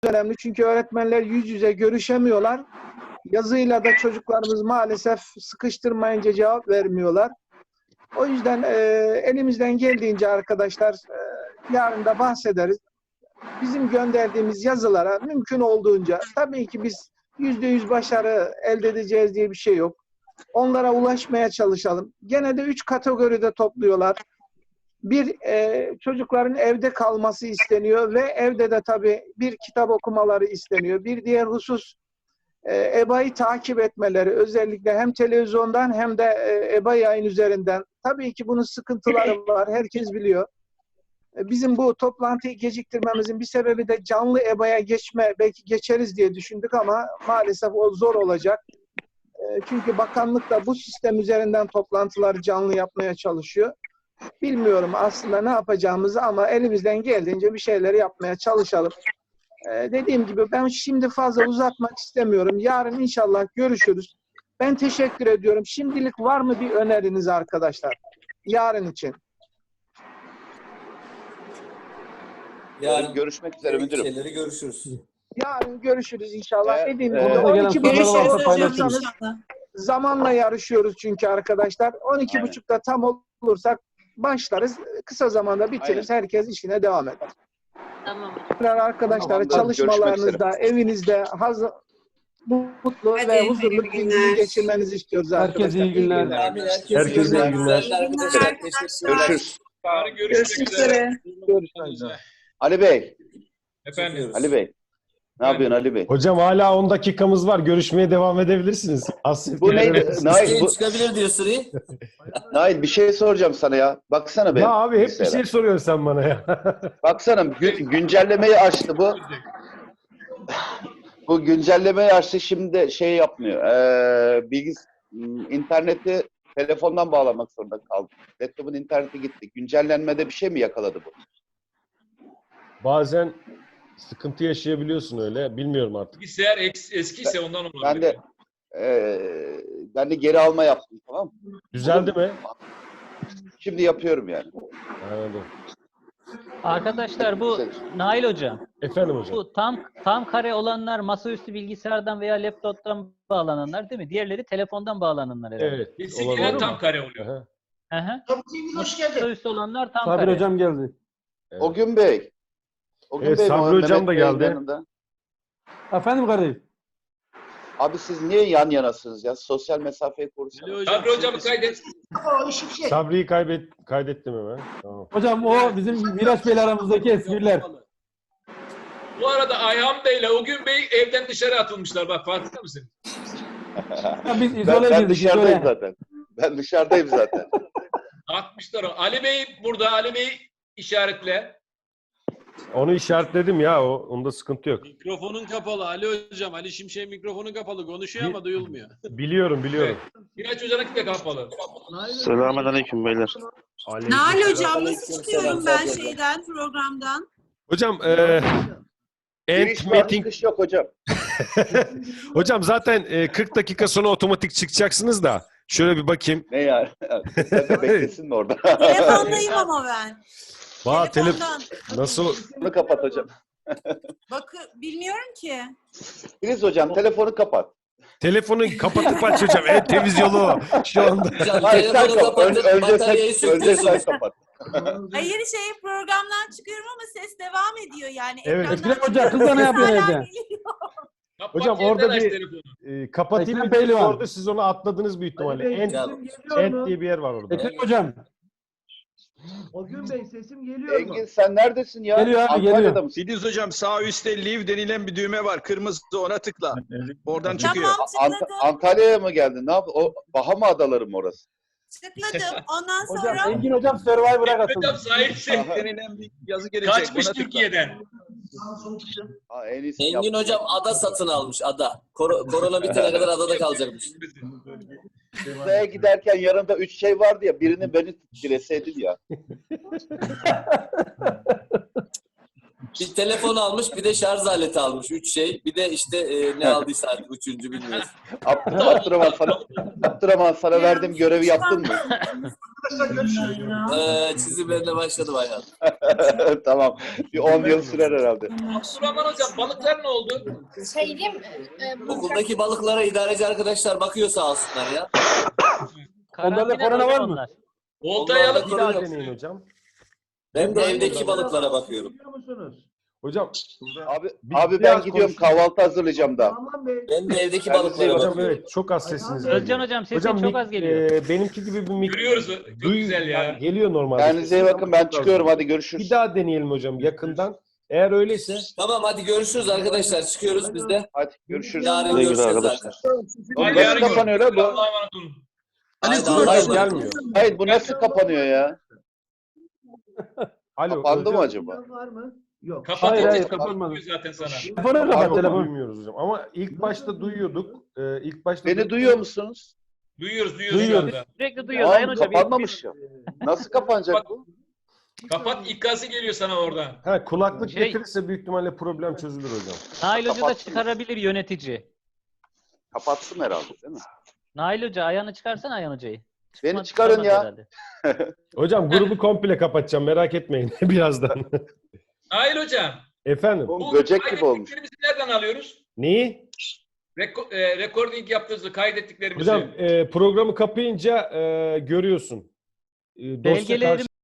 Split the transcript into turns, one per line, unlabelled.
önemli çünkü öğretmenler yüz yüze görüşemiyorlar. Yazıyla da çocuklarımız maalesef sıkıştırmayınca cevap vermiyorlar. O yüzden elimizden geldiğince arkadaşlar yarın da bahsederiz. Bizim gönderdiğimiz yazılara mümkün olduğunca, tabii ki biz %100 başarı elde edeceğiz diye bir şey yok. Onlara ulaşmaya çalışalım. Gene de 3 kategoride topluyorlar. Bir, çocukların evde kalması isteniyor ve evde de tabii bir kitap okumaları isteniyor. Bir diğer husus EBA'yı takip etmeleri, özellikle hem televizyondan hem de EBA yayın üzerinden. Tabii ki bunun sıkıntıları var, herkes biliyor. Bizim bu toplantıyı geciktirmemizin bir sebebi de canlı EBA'ya geçme, belki geçeriz diye düşündük ama maalesef o zor olacak. Çünkü bakanlık da bu sistem üzerinden toplantıları canlı yapmaya çalışıyor. Bilmiyorum aslında ne yapacağımızı ama elimizden geldiğince bir şeyleri yapmaya çalışalım. Dediğim gibi ben şimdi fazla uzatmak istemiyorum. Yarın inşallah görüşürüz. Ben teşekkür ediyorum. Şimdilik var mı bir öneriniz arkadaşlar? Yarın için.
Yarın görüşmek üzere müdürüm.
Şeyleri görüşürüz.
Yarın görüşürüz inşallah.
Evet,
Dediğim
evet.
gibi
Orada
12.30'da
paylaşırız.
zamanla yarışıyoruz çünkü arkadaşlar. 12.30'da tam olursak başlarız. Kısa zamanda bitiririz.
Aynen.
Herkes işine devam eder.
Tamam.
Arkadaşlar
Tamam,
çalışmalarınızda, evinizde hazır, mutlu
Hadi,
ve huzurlu
hayırlı
bir gün
günler.
geçirmenizi istiyoruz arkadaşlar.
Herkese iyi günler.
Herkese iyi günler.
Görüşürüz.
Yarın
Görüşmek üzere.
Ali Bey.
Efendim.
Ali Bey. Ne yapıyorsun Ali Bey?
Hocam hala 10 dakikamız var. Görüşmeye devam edebilirsiniz.
Bu neydi? Nail,
Çıkabilir diyor Suri.
Nail bir şey soracağım sana ya. Baksana be.
Ya abi hep bir
bilgisayara.
şey soruyorsun sen bana ya.
Baksana güncellemeyi açtı bu. Bu güncellemeyi açtı şimdi de şey yapmıyor. İnterneti telefondan bağlamak zorunda kaldı. Laptopun interneti gitti. Güncellenmede bir şey mi yakaladı bu?
Bazen sıkıntı yaşayabiliyorsun öyle. Bilmiyorum artık.
Bilgisayar eskiyse ondan olabilir.
Ben de geri alma yaptım, tamam mı?
Düzeldi mi?
Şimdi yapıyorum yani.
Anladım.
Arkadaşlar bu Nail Hocam,
Efendim hocam.
bu tam kare olanlar masaüstü bilgisayardan veya laptoptan bağlananlar değil mi? Diğerleri telefondan bağlananlar herhalde.
Evet.
Kesinlikle
olabilir.
tam kare oluyor.
Aha,
Hı hı.
Hoş geldin.
Masaüstü olanlar tam
Sabir
kare.
hocam geldi. Evet.
Ogün Bey. Ogün
Evet,
Bey,
Sabri
Mehmet
hocam da
Bey'in
geldi.
yanında.
Efendim kardeşim.
Abi siz niye yan yanasınız ya? Sosyal mesafeyi korusanız.
Sabri hocamı kaydet.
Sabri'yi kaydettim hemen. Tamam.
Hocam o bizim Miraç Bey'le aramızdaki espriler.
Bu arada Ayhan Bey ile Ogün Bey evden dışarı atılmışlar. Bak farkında mısın?
Biz
Ben
izole girdik.
dışarıdayım
izole.
zaten. Ben dışarıdayım zaten.
Atmışlar o. Ali Bey burada. Ali Bey işaretle.
Onu işaretledim ya. Onda sıkıntı yok.
Mikrofonun kapalı Ali Hocam. Ali Şimşek'in mikrofonu kapalı. Konuşuyor ama duyulmuyor.
Biliyorum.
Miraç Hoca'nınki de kapalı.
Selamünaleyküm beyler.
Nail hocam nasıl çıkıyorum ben şeyden, programdan?
Hocam
Giriş var,
meeting
çıkış yok hocam.
hocam zaten 40 dakika sonra otomatik çıkacaksınız da şöyle bir bakayım.
Ne yani? Sen de beklesin mi orada?
Telefondayım ama ben. Telefondan.
Nasıl?
Bunu kapat hocam.
Bilmiyorum ki.
Filiz hocam telefonu kapat.
Telefonu kapatıp aç hocam. En temiz yolu şu anda.
Hocam
Hayır sen
telefonu
kapat.
kapatıp bataryayı
Önce
söktürsün.
sen kapat.
Hayır programdan çıkıyorum ama ses devam ediyor yani.
Evet.
Ekrandan
Ekrem Hoca, kız da ne yapıyor
hala
evde?
geliyor.
Kapat
Hocam
yeniden
orada
aç
bir
telefonu.
kapatayım
Ekrem
bir
Pehlivan.
orada siz onu atladınız büyük ihtimalle. End diye bir yer var orada.
Ekrem Hocam.
Ogün Bey sesim geliyor mu?
Engin sen neredesin ya?
Geliyor abi,
Antalya'da
geliyor.
mısın?
Filiz Hocam sağ üstte leave denilen bir düğme var. Kırmızı ona tıkla. Oradan çıkıyor.
Tamam tıkladım.
Antalya'ya mı geldin? Ne yaptın? O Bahama adaları mı orası?
Tıkladım. Ondan
Hocam
sonra
Engin Hocam Survivor'a
Hocam
katıldı.
sahipsin.
Denilen bir yazı gelecek.
Kaçmış
ona tıkla.
Türkiye'den.
Ha, en iyisi
Engin
yaptın.
Hocam ada satın almış ada. Korona bitene kadar adada kalacakmış.
Uzaya giderken yanımda 3 şey vardı ya. Birini beni dileseydin ya.
Bir telefon almış, bir de şarj aleti almış. 3 şey. Bir de işte ne aldıysa artık üçüncü bilmiyoruz.
Abdurrahman sana verdiğim görevi yaptın mı?
Çizimlerine başladı Ayhan.
Tamam. Bir 10 yıl sürer herhalde.
Abdurrahman hocam balıklar ne oldu?
Okuldaki balıklara idareci arkadaşlar bakıyor sağ olsunlar ya.
Onlarda
Karantina
korona var mı?
onlar.
Oltayı alıp
Bir daha deneyin hocam.
Ben de evdeki balıklara bakıyorum.
Hocam
Abi
biraz
ben gidiyorum,
konuşayım.
kahvaltı hazırlayacağım da.
Ben de evdeki
Kendinize
balıklara
iyi bakın.
hocam
bakıyorum.
evet çok az sesiniz
Özcan
geliyor.
hocam sesin çok az geliyor.
Benimki gibi bir
Görüyoruz. Çok güzel ya.
yani geliyor normalde.
Kendinize iyi bakın, ben çıkıyorum, hadi görüşürüz.
Bir daha deneyelim hocam yakından. Eğer öyleyse
Tamam hadi görüşürüz arkadaşlar. Çıkıyoruz biz de.
Hadi görüşürüz.
Yarın
Güle güle
görüşeceğiz
arkadaşlar.
zaten.
Bu
Hadi
nasıl
yarın
kapanıyor lan bu?
Allah'a emanet olun.
Haydi
hayır,
Allah'a emanet.
gelmiyor.
Hayır, bu nasıl kapanıyor ya?
Alo,
Kapandı
hocam.
mı acaba?
Kapat.
Hayır, hayır,
kapat
kapanmadı.
zaten sana.
Telefonu kapat
Pardon,
telefonu.
duymuyoruz hocam. Ama ilk başta duyuyorduk. İlk başta
Beni duyuyor musunuz?
Duyuyoruz
Duyuyoruz.
şu anda.
Sürekli duyuyoruz. Ayhan
Tamam,
hocam.
kapanmamış ya. Nasıl kapanacak bu?
Kapat, ikazı geliyor sana oradan.
Ha, kulaklık
Şey-
getirirse büyük ihtimalle problem çözülür hocam.
Nail Hoca da
Kapattım.
çıkarabilir yönetici.
Kapatsın herhalde değil mi?
Nail Hoca ayağını çıkarsana Ayhan Hoca'yı.
Beni çıkarın ya.
Herhalde.
Hocam grubu komple kapatacağım merak etmeyin birazdan.
Nail hocam.
Efendim
Oğlum, böcek gibi olmuş.
kaydettiklerimizi nereden alıyoruz?
neyi?
Recording yaptığımızı, kaydettiklerimizi.
Hocam programı kapayınca görüyorsun. Dosya
Belgeleri